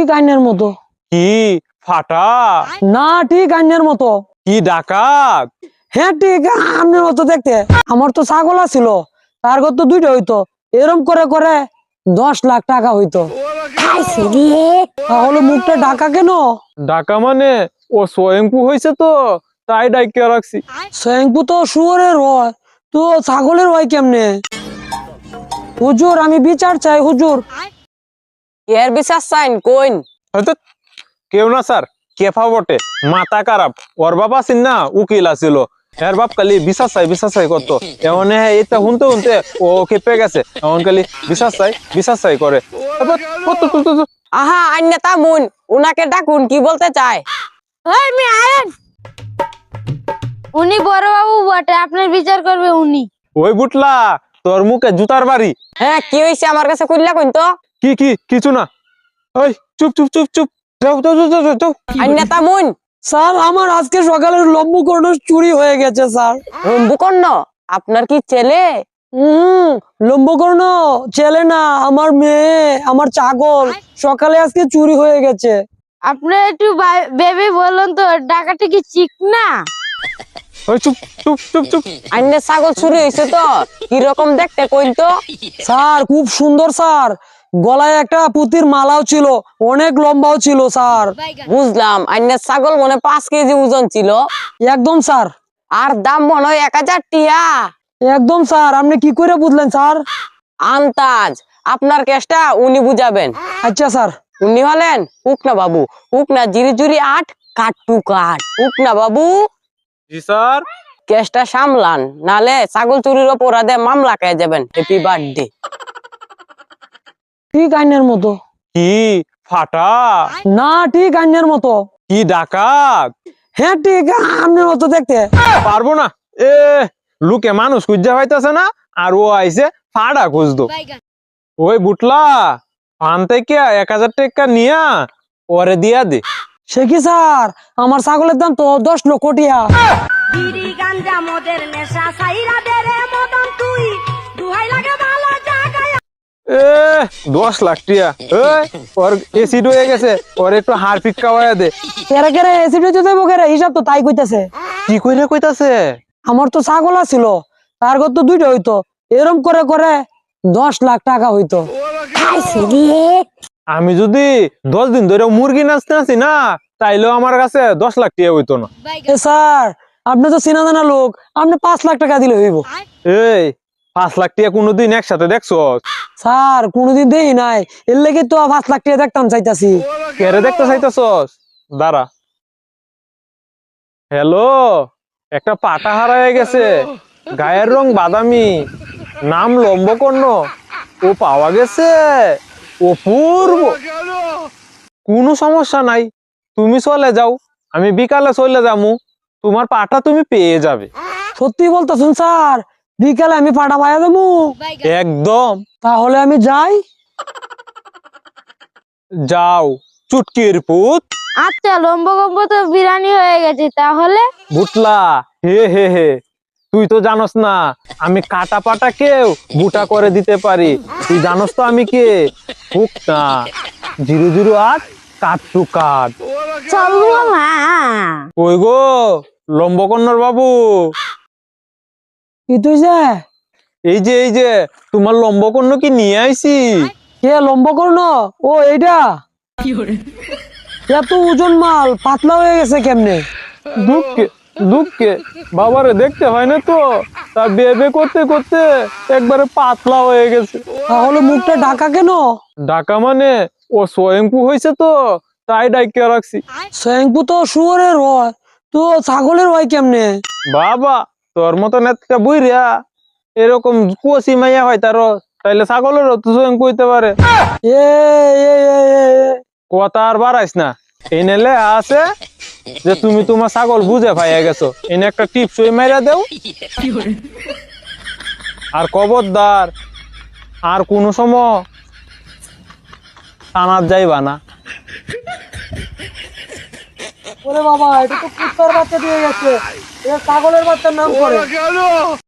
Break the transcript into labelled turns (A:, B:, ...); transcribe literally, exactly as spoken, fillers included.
A: ঠিক আইনের মতো।
B: কি ফাটা?
A: না, ঠিক আইনের মতো।
B: কি ডাকাত?
A: হ্যাঁ ঠিক আইনের মতো দেখতে। আমার তো ছাগল ছিল, তার ঘর তো দুইটা হইতো, এরম করে করে দশ লাখ টাকা হইতো। তাহলে মুখটা ঢাকা কেন?
B: ডাকা মানে ও স্বয়ংপু হয়েছে তো, তাই ডাইকে রাখছি।
A: স্বয়ংপু তো শুয়োরের হয়, তো ছাগলের হয় কেমনে? হুজুর আমি বিচার চাই হুজুর।
C: এর বিশ্বাস চাইন কোন?
B: হয়তো কেউ না স্যার, কেফা বটে, মাথা খারাপ। ওর বাবা আছেন না, উকিল আছিল। এর বাপ খালি বিশ্বাস চাই বিশ্বাস চাই করতো। এমন এটা শুনতে শুনতে ও খেপে গেছে, এমন খালি বিশ্বাস চাই বিশ্বাস চাই করে।
C: আহা আইন তা মুন, উনাকে ডাকুন, কি বলতে চায়?
D: আমি আয়েন, উনি বড় বাবু বটে, আপনার বিচার করবে উনি।
B: ওই বুটলা, তোর মুখে জুতার বাড়ি।
C: হ্যাঁ কি হয়েছে আমার কাছে কইলা কইন তো।
B: কি কি কিছু না। ওই চুপ চুপ চুপ চুপ, যাও যাও যাও যাও যাও।
C: আইন তা মুন।
A: স্যার আমার আজকে সকালের লম্বকর্ণ চুরি হয়ে গেছে স্যার।
C: রম্বুকর্ণ আপনার কি ছেলে?
A: হম লম্বকর্ণ ছেলে না, আমার মেয়ে, আমার ছাগল সকালে আজকে চুরি হয়ে গেছে।
D: আপনি একটু বেবি বলুন তো, ডাকাটা কি ঠিক না?
B: ওই চুপ চুপ চুপ চুপ।
C: আইনে ছাগল চুরি হয়েছে তো, কি রকম দেখতে কইন তো।
A: স্যার খুব সুন্দর স্যার, গলায় একটা পুতির মালাও ছিল, অনেক লম্বাও ছিল স্যার।
C: বুঝলাম, আইনে ছাগল মনে পাঁচ কেজি ওজন ছিল।
A: একদম স্যার।
C: আর দাম মনে হয় এক হাজার টিয়া।
A: একদম স্যার, আপনি কি করে বুঝলেন স্যার?
C: আন্তাজ, আপনার কেসটা উনি বুঝাবেন।
A: আচ্ছা স্যার।
C: উনি হলেন উকনা বাবু। উকনা জিরি জুরি আট, কাট টু কাট। উকনা বাবু
B: জি স্যার।
C: কেসটা সামলান, নালে ছাগল চুরির অপরাধে মামলা খেয়ে যাবেন। Happy birthday.
A: ঠিক আইনের মতো।
B: কি ফাটা?
A: না, ঠিক আইনের মতো।
B: কি ডাকাত?
A: হ্যাঁ ঠিক আইনের মতো দেখতে।
B: পারবো না, এ লুকে মানুষ খুঁজা পাইতেছে না, আর ও আইছে ফাড়া খুঁজতো। ওই বুটলা, ফান থেকে এক হাজার টাকা নিয়া ওরে দিয়া দে।
A: সে কি স্যার, আমার ছাগলের দাম তো দশ লক্ষ টিয়া।
E: বিড়ি গাঞ্জা মদের নেশা সাইরা দে রে মদন তুই, দুহাই লাগে ভালো জায়গায়।
B: এ দশ লাখ টিয়া, এই ওর এসিড হয়ে গেছে, ওর একটু হাড় পিক খাওয়াইয়া দে।
A: কেরে কেরে এসিড হইতে দেবো কেরে, হিসাব তো তাই কইতাছে।
B: কি কইরা কইতাছে?
A: আমার তো ছাগল ছিল, তার ঘর তো দুইটা হইতো, এরম করে করে দশ লাখ টাকা হইতো।
B: আমি যদি দশ দিন ধরে মুরগি নাচতে আছি না, তাইলেও আমার কাছে দশ লাখ টিয়া হইতো না।
A: এ স্যার, আপনি তো চিনা জানা লোক, আপনি পাঁচ লাখ টাকা দিলে হইব।
B: এই পাঁচ লাখ টিয়া কোনোদিন একসাথে দেখছো?
A: স্যার কোনোদিন দেই নাই, এর লেগে তো পাঁচ লাখ টাকা দেখতাম চাইতাছি।
B: কেরে দেখতে চাইতেছস? দাঁড়া। হ্যালো, একটা পাটা হারায় গেছে, গায়ের রং বাদামি, নাম লম্বকর্ণ, ও পাওয়া গেছে। অপূর্ব, কোনো সমস্যা নাই, তুমি চলে যাও, আমি বিকালে চলে যামু, তোমার পাটা তুমি পেয়ে যাবে।
A: সত্যি বলতেছেন স্যার? বিকালে আমি পাটা পাইয়া দেবো?
B: একদম।
A: তাহলে আমি যাই।
B: যাও চুটকির পুত।
D: আচ্ছা লম্বকম্ব তো বিরানি হয়ে গেছে, তাহলে
B: বুটলা, হে হে হে, তুই তো জানোস না আমি কাটা পাটা কেউ বুটা করে দিতে পারি। তুই জানোস তো আমি কে? হুক না, জিরো জিরো আট, কাট টু কাট।
D: চলবো না।
B: ওই গো লম্বকর্ণর বাবু,
A: কি তুই যে?
B: এই যে এই যে তোমার লম্বকর্ণ কি নিয়ে আইছি।
A: কে লম্বকর্ণ? ও এইটা? এত ওজন মাল পাতলা হয়ে গেছে কেমনে?
B: দুঃখে দুঃখে বাবারে দেখতে হয় না তো, তা বেবে করতে করতে একবারে পাতলা হয়ে গেছে।
A: তাহলে মুখটা ঢাকা কেন?
B: ঢাকা মানে ও স্বয়ংপু হয়েছে তো, তাই ডাইকে রাখছি।
A: স্বয়ংপু তো শুয়োরের হয়, তো ছাগলের হয় কেমনে?
B: বাবা তোর মতন একটা বুইরা এরকম কুয়াশি মাইয়া হয় তার, তাইলে ছাগলেরও তো স্বয়ংপু হইতে পারে।
A: এ এ, এ, এ, এ।
B: কথা আর বাড়াইস না, এই নেলে আছে যে তুমি তোমার ছাগল বুঝে পাইয়া গেছো, এনে একটা টিপস ওই মাইরা দেও। আর খবরদার আর কোনো সময় থানার যাইবা না।
A: ওরে বাবা, এটা তো কুত্তার বাচ্চা দিয়ে গেছে, এটা ছাগলের বাচ্চার নাম করে।